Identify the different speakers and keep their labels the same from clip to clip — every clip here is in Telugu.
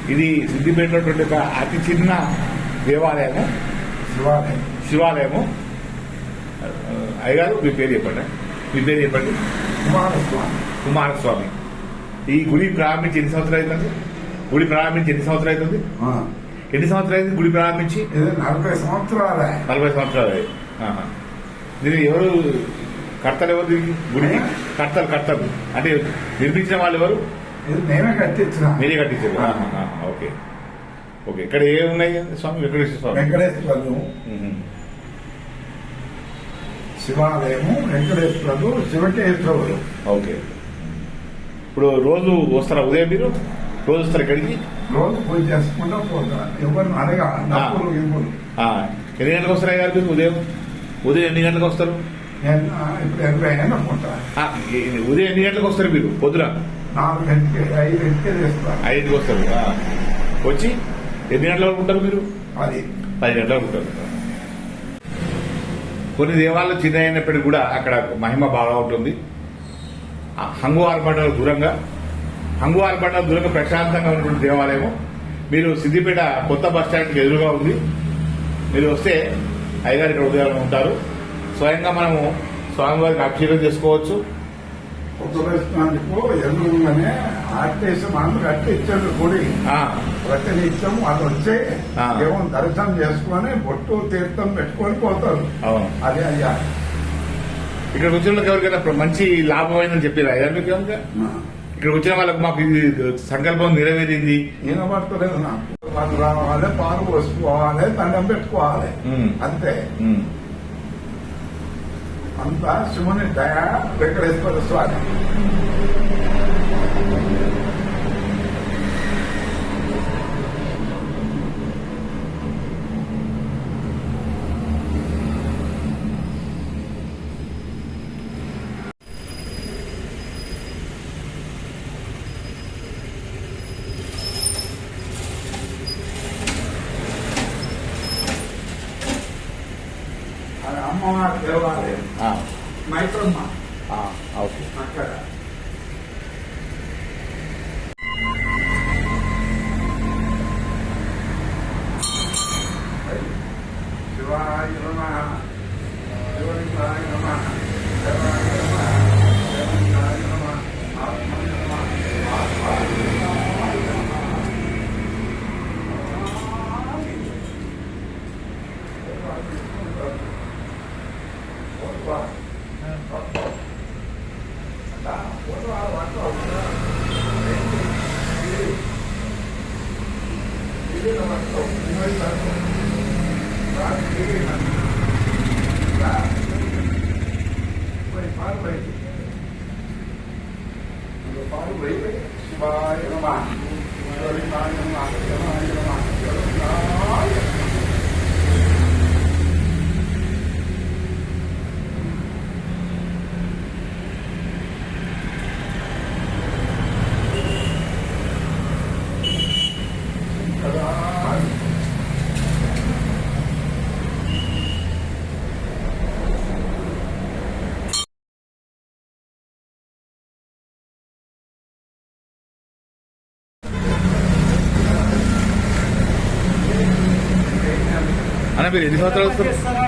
Speaker 1: ఇది సిద్దిపేటలో ఒక అతి చిన్న దేవాలయము, శివాలయము. అయ్యగారు మీ పేరు చెప్పండి. కుమారస్వామి. ఈ గుడి ప్రారంభించి ఎన్ని సంవత్సరాలు అవుతుంది? ఎన్ని సంవత్సరాలు అవుతుంది? గుడి ప్రారంభించి
Speaker 2: 40 సంవత్సరాలు.
Speaker 1: 40 సంవత్సరాలు. దీన్ని ఎవరు కర్తలు? ఎవరు దీనికి గుడికి కర్తలు అంటే నిర్మించిన వాళ్ళు ఎవరు?
Speaker 2: నేనే కట్టించిన.
Speaker 1: మీరే కట్టించారు. ఓకే. ఇక్కడ ఏమున్నాయి స్వామి?
Speaker 2: వెంకటేశ్వరుడు శివాలయము, వెంకటేశ్వరుడు, శివకేశ్వరుడు.
Speaker 1: ఓకే. ఇప్పుడు రోజు వస్తారా? ఉదయం మీరు రోజు వస్తారు ఇక్కడికి?
Speaker 2: రోజు పూజ చేసుకుంటా పోతారు. ఎవరిని అడగా డబ్బులు ఇవ్వరు.
Speaker 1: ఎన్ని గంటలకు వస్తారా గారు మీరు? ఉదయం ఎన్ని గంటలకు వస్తారు?
Speaker 2: ఇప్పుడు 80 అనుకుంటా.
Speaker 1: ఉదయం ఎన్ని గంటలకు వస్తారు మీరు? పొద్దున
Speaker 2: 4 గంటలకి 5 గంటలకి చేస్తారు.
Speaker 1: 5కి వస్తారు. వచ్చి ఎన్ని గంటల వరకు ఉంటారు మీరు? 10 గంటల వరకు ఉంటారు. కొన్ని దేవాలయాలు చిన్న అయినప్పటికీ కూడా అక్కడ మహిమ బాగా ఉంటుంది. హంగు ఆర్భాటాలు దూరంగా ప్రశాంతంగా ఉన్నటువంటి దేవాలయము. మీరు సిద్దిపేట కొత్త బస్ స్టాండ్కి ఎదురుగా ఉంది. మీరు వస్తే అయ్యగారు ఇక్కడ ఉదయం ఉంటారు. స్వయంగా మనము స్వామివారికి అభిషేకం చేసుకోవచ్చు.
Speaker 2: ఎదురుగానే ఆర్టీసీ మనం కట్టించాడు గుడి. ప్రతినిత్యం వాళ్ళు వచ్చి దేవుని దర్శనం చేసుకుని బొట్టు తీర్థం పెట్టుకొని పోతారు. అదే అయ్యా
Speaker 1: ఇక్కడ వచ్చిన వాళ్ళకి ఎవరికైనా మంచి లాభం అయిందని చెప్పారు అయ్యా మీకు? ఇక్కడ వచ్చిన వాళ్ళకి మాకు ఇది సంకల్పం నెరవేరింది.
Speaker 2: వినబడతలేదు నాకు. వాళ్ళు రావాలి, పాలు పోసుకోవాలి, దండం పెట్టుకోవాలి, అంతే. అంతా శివుని దయ. వెంకటేశ్వర స్వామి అమ్మవారి దేవాలయం మైత్రమ్మ. అక్కడ శివాయ నమః, శివలింగాయ నమః, శివాయ నమః, శివలింగాయ నమః, ఆత్మనే నమః, ఆత్మాయ శివాయ నమః, శివలింగాయ నమః, శివాయ నమః, శివలింగాయ
Speaker 1: అన్న మీరు ఎన్ని సంవత్సరాలు వస్తారు?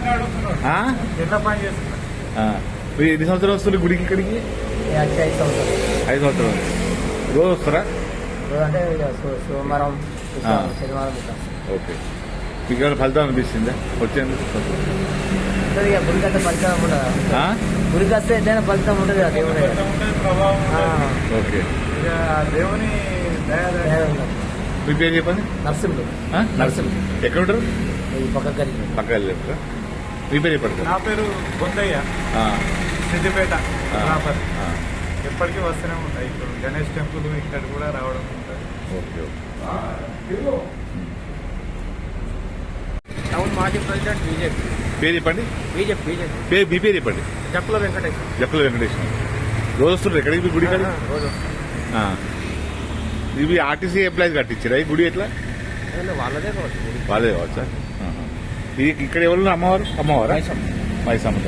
Speaker 1: మీరు ఎన్ని సంవత్సరాలు వస్తారు గుడికి? ఇక్కడికి 5 సంవత్సరాలు. రోజు వస్తారా?
Speaker 3: సోమవారం, శనివారం.
Speaker 1: ఓకే. మీకు ఏమైనా ఫలితం అనిపిస్తుందా వచ్చేందుకు?
Speaker 3: గుడికి వస్తే ఫలితం ఉండదు. గుడికి వస్తే ఏదైనా ఫలితం ఉంటుంది కదా దేవుని.
Speaker 1: ఓకే.
Speaker 2: దేవుని
Speaker 1: మీ పేరు చెప్పండి.
Speaker 3: నరసింహుడు.
Speaker 1: ఎక్కడ ఉంటారు? పక్క మీ పేరు చెప్పండి.
Speaker 2: నా పేరు బొద్దయ్య, సిద్దిపేట. ఎప్పటికీ వస్తూనే ఉంటాయి. ఇప్పుడు గణేష్ టెంపుల్ ఇక్కడ కూడా రావడం ఉంటుంది.
Speaker 1: ఓకే.
Speaker 3: టౌన్ మాజీ ప్రెసిడెంట్ బీజేపీ.
Speaker 1: పేరు చెప్పండి.
Speaker 3: బీజేపీ.
Speaker 1: మీ పేరు చెప్పండి.
Speaker 3: జక్కుల వెంకటేశ్వర.
Speaker 1: రోజు వస్తున్నారు ఎక్కడికి? మీ గుడి కాదు
Speaker 3: రోజు.
Speaker 1: ఇవి ఆర్టీసీ ఎంప్లాయీస్ కట్టించారా ఈ గుడి? ఎట్లా? వాళ్ళదే కావచ్చా? ఇది ఇక్కడ ఎవరు? అమ్మవారా? మైసమ్మ.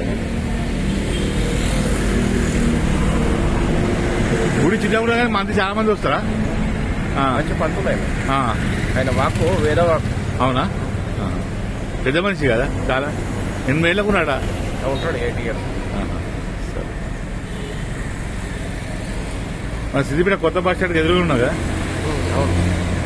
Speaker 1: గుడి చిన్నగా మంది చాలా మంది వస్తారా?
Speaker 4: మంచి పంతులు ఆయన.
Speaker 1: ఆ,
Speaker 4: ఆయన వాక్కు వేద వాక్కు.
Speaker 1: అవునా ఆ. పెద్ద మనిషి కదా చాలా. 8 ఏళ్ళకు ఉన్నాడా?
Speaker 4: ఉంటాడు 8 years.
Speaker 1: సరే. మన సిద్దిపేట కొత్త బస్ స్టాండ్కి ఎదురుగా ఉన్నా కదా.
Speaker 4: అవును.